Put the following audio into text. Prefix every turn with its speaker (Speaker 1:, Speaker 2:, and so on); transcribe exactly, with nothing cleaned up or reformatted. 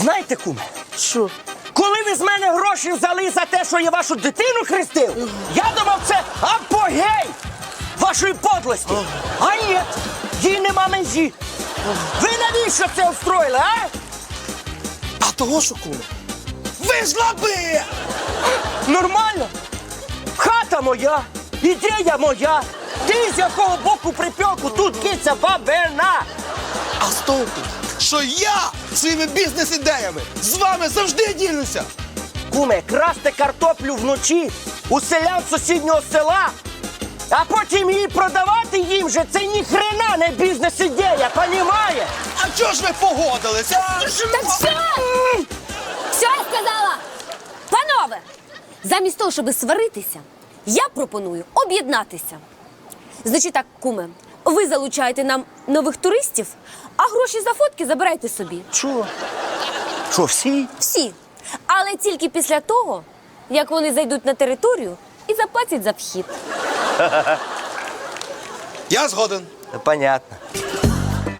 Speaker 1: Знаєте, куме,
Speaker 2: Що?
Speaker 1: коли ви з мене гроші взяли за те, що я вашу дитину хрестив, я думав, це апогей вашої подлості. А ні, їй нема межі. Ви навіщо це устроїли, а?
Speaker 2: А того що, куме? Ви ж лаби!
Speaker 1: Нормально. Хата моя, ідея моя. Ти з якого боку припеку, тут киця бабина.
Speaker 2: А з того, що я своїми бізнес-ідеями з вами завжди ділюся!
Speaker 1: Куме, красти картоплю вночі у селян сусіднього села, а потім її продавати їм же, це ні хрена не бізнес-ідея, понімає?
Speaker 2: А чого ж ви погодилися?
Speaker 3: Так все! Все, я сказала! Панове, замість того, щоб сваритися, я пропоную об'єднатися. Значить так, куме, ви залучаєте нам нових туристів, а гроші за фотки забирайте собі.
Speaker 1: Що? Що, всі?
Speaker 3: Всі. Але тільки після того, як вони зайдуть на територію і заплатять за вхід.
Speaker 2: Я згоден.
Speaker 1: Понятно.